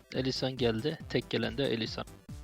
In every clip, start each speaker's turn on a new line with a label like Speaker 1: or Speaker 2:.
Speaker 1: Elisan geldi. Tek gelen de Elisan.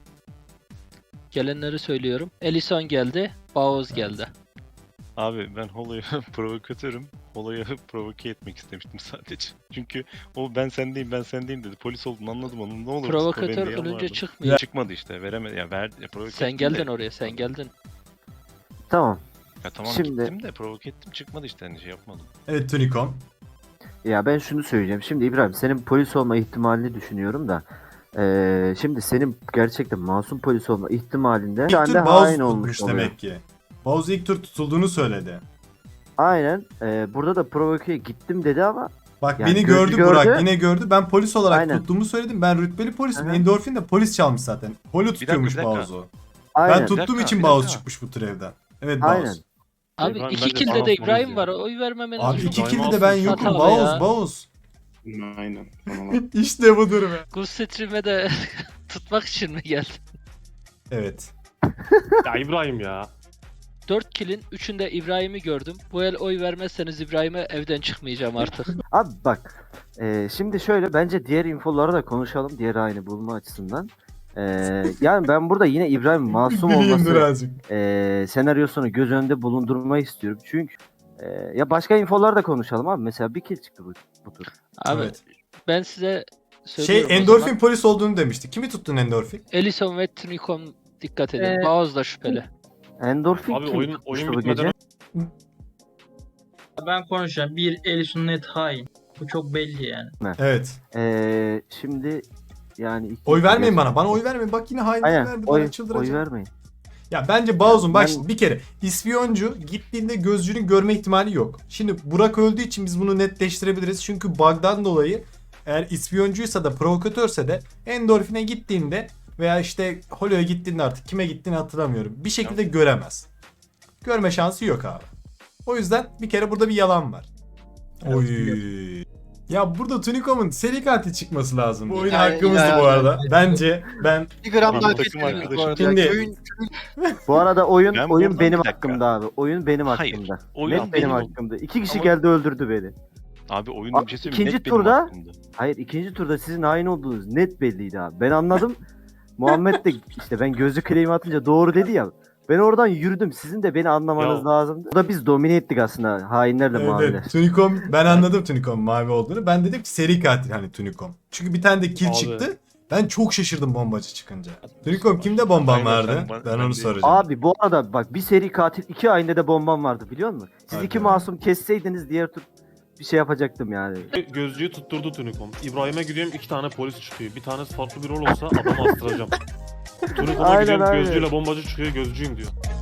Speaker 1: Gelenleri söylüyorum. Elisan geldi. Baoz geldi.
Speaker 2: Abi ben Holo'yu provokatörüm. Holo'yu provoke etmek istemiştim sadece. Çünkü o ben sendeyim dedi. Polis olduğunu anladım onun. Ne olur
Speaker 1: Provokatör ölünce çıkmıyor.
Speaker 2: Çıkmadı işte. Veremedi. Ya verdi. Provoke
Speaker 1: Sen
Speaker 2: ettim
Speaker 1: geldin
Speaker 2: de.
Speaker 1: oraya. Sen geldin.
Speaker 3: Tamam.
Speaker 2: Ya tamam
Speaker 3: Şimdi-
Speaker 2: gittim de provoke ettim çıkmadı işte hani şey yapmadım.
Speaker 4: Evet Tunikom.
Speaker 3: Ya ben şunu söyleyeceğim. Şimdi İbrahim senin polis olma ihtimalini düşünüyorum da. Şimdi senin gerçekten masum polis olma ihtimalinde
Speaker 4: İlk
Speaker 3: şu anda
Speaker 4: tur Bauz
Speaker 3: hain olmuş
Speaker 4: tutmuş
Speaker 3: oluyor.
Speaker 4: demek ki. Bauz ilk tur tutulduğunu söyledi.
Speaker 3: Aynen. Burada da provokeye gittim dedi ama
Speaker 4: Bak
Speaker 3: Yani
Speaker 4: beni
Speaker 3: gördü.
Speaker 4: Burak yine gördü. Ben polis olarak
Speaker 3: Aynen.
Speaker 4: tuttuğumu söyledim. Ben rütbeli polisim.
Speaker 3: Hı hı.
Speaker 4: Endorfin de polis çalmış zaten. Holo tutuyormuş
Speaker 2: bir dakika.
Speaker 4: Bauz'u.
Speaker 3: aynen.
Speaker 4: Ben tuttuğum
Speaker 2: dakika,
Speaker 4: için
Speaker 2: bir
Speaker 4: Bauz
Speaker 2: dakika.
Speaker 4: çıkmış bu tür evden. Evet
Speaker 3: Aynen.
Speaker 4: Bauz.
Speaker 1: Abi
Speaker 5: İbrahim,
Speaker 1: iki
Speaker 5: bence
Speaker 1: kilde
Speaker 5: sana
Speaker 1: de İbrahim
Speaker 5: polis
Speaker 1: var.
Speaker 5: ya.
Speaker 1: Oy vermemeniz
Speaker 4: Abi
Speaker 1: çok
Speaker 4: iki
Speaker 5: Daima
Speaker 4: kilde de ben
Speaker 5: olsun.
Speaker 4: yokum.
Speaker 1: Hatalı
Speaker 4: Bauz
Speaker 1: ya.
Speaker 4: Bauz.
Speaker 5: Aynen. Tamam.
Speaker 4: İşte budur be.
Speaker 1: Gus Stream'e de tutmak için mi geldin?
Speaker 4: Evet.
Speaker 5: Ya İbrahim ya.
Speaker 1: 4 kilin 3'ünde İbrahim'i gördüm. Bu el oy vermezseniz İbrahim'e evden çıkmayacağım artık.
Speaker 3: Abi bak. Şimdi şöyle bence diğer infoları da konuşalım. Diğer haini bulma açısından. Yani ben burada yine İbrahim masum
Speaker 4: Bileyim
Speaker 3: olması
Speaker 4: birazcık.
Speaker 3: senaryosunu göz önünde bulundurmayı istiyorum. Çünkü ya başka infolar da konuşalım abi. Mesela bir kill çıktı bu tur.
Speaker 1: Abi
Speaker 4: Evet.
Speaker 1: ben size söylüyorum o
Speaker 4: Endorfin
Speaker 1: zaman.
Speaker 4: polis olduğunu demişti. Kimi tuttun Endorfin?
Speaker 1: Ellison ve Tunikom dikkat edin. Baoz da şüpheli.
Speaker 3: Endorfin
Speaker 5: Abi
Speaker 3: kim
Speaker 5: oyun
Speaker 3: tutmuştu bu
Speaker 5: bitmeden
Speaker 3: gece?
Speaker 6: Ben konuşacağım. Bir Ellison net hain. Bu çok belli yani.
Speaker 4: Evet.
Speaker 3: Şimdi yani
Speaker 4: Oy vermeyin bana. Bana oy vermeyin. Bak yine hainlik
Speaker 3: Aynen.
Speaker 4: verdi.
Speaker 3: Oy
Speaker 4: Bana çıldıracağım.
Speaker 3: vermeyin.
Speaker 4: Ya bence Bauz'un bak
Speaker 3: Ben-
Speaker 4: şimdi bir kere ispiyoncu gittiğinde gözcünün görme ihtimali yok. Şimdi Burak öldüğü için biz bunu netleştirebiliriz. Çünkü bug'dan dolayı eğer ispiyoncuysa da provokatörse de endorfine gittiğinde veya işte Holo'ya gittiğinde artık kime gittiğini hatırlamıyorum. Bir şekilde göremez. Görme şansı yok abi. O yüzden bir kere burada bir yalan var. Oy. Ya burada Tunikom'un seri katil çıkması lazım. Bu oyun
Speaker 7: Yani-
Speaker 4: hakkımızdı
Speaker 7: yani-
Speaker 4: bu arada. Bence ben
Speaker 7: Bir gram
Speaker 2: Benim
Speaker 7: daha
Speaker 2: takım
Speaker 7: kesmediniz bu
Speaker 2: arkadaşım.
Speaker 7: arada.
Speaker 4: Şimdi-
Speaker 7: Köyün
Speaker 3: Bu arada oyun
Speaker 2: Ben
Speaker 3: oyun
Speaker 2: buradan
Speaker 3: benim
Speaker 2: bir dakika.
Speaker 3: hakkımda abi. Oyun benim
Speaker 2: Hayır,
Speaker 3: hakkımda.
Speaker 2: oyun
Speaker 3: Net benim
Speaker 2: benim-
Speaker 3: hakkımda. İki kişi
Speaker 2: Ama-
Speaker 3: geldi öldürdü beni.
Speaker 2: Abi oyunda bir şey söyleyeyim.
Speaker 3: İkinci
Speaker 2: Net benim
Speaker 3: turda-
Speaker 2: hakkımda.
Speaker 3: Hayır ikinci turda sizin hain olduğunuz net belliydi abi. Ben anladım. Muhammed de işte ben gözlü claim atınca doğru dedi ya. Ben oradan yürüdüm. Sizin de beni anlamanız
Speaker 5: Ya-
Speaker 3: lazım. O da biz domine ettik aslında hainlerle maviler.
Speaker 4: evet, Tunikom ben anladım Tunikom mavi olduğunu. Ben dedim ki seri katil hani Tunikom. Çünkü bir tane de kill
Speaker 5: Abi.
Speaker 4: çıktı. Ben çok şaşırdım bombacı çıkınca. Tunikom kimde bomban
Speaker 2: Aynen,
Speaker 4: vardı?
Speaker 2: ben
Speaker 4: Ben onu
Speaker 2: değil.
Speaker 4: soracağım.
Speaker 3: Abi bu arada bak bir seri katil iki hainde de bombam vardı biliyor musun? Siz
Speaker 4: Hadi.
Speaker 3: iki masum kesseydiniz diğer tur bir şey yapacaktım yani.
Speaker 5: gözcüyü tutturdu Tunikom. İbrahim'e gidiyorum 2 tane polis çıkıyor. Bir tanesi farklı bir rol olsa adamı astıracağım. Tunikom'a
Speaker 3: Aynen,
Speaker 5: gidiyorum
Speaker 3: aynen.
Speaker 5: gözcüyle bombacı çıkıyor gözcüyüm diyor.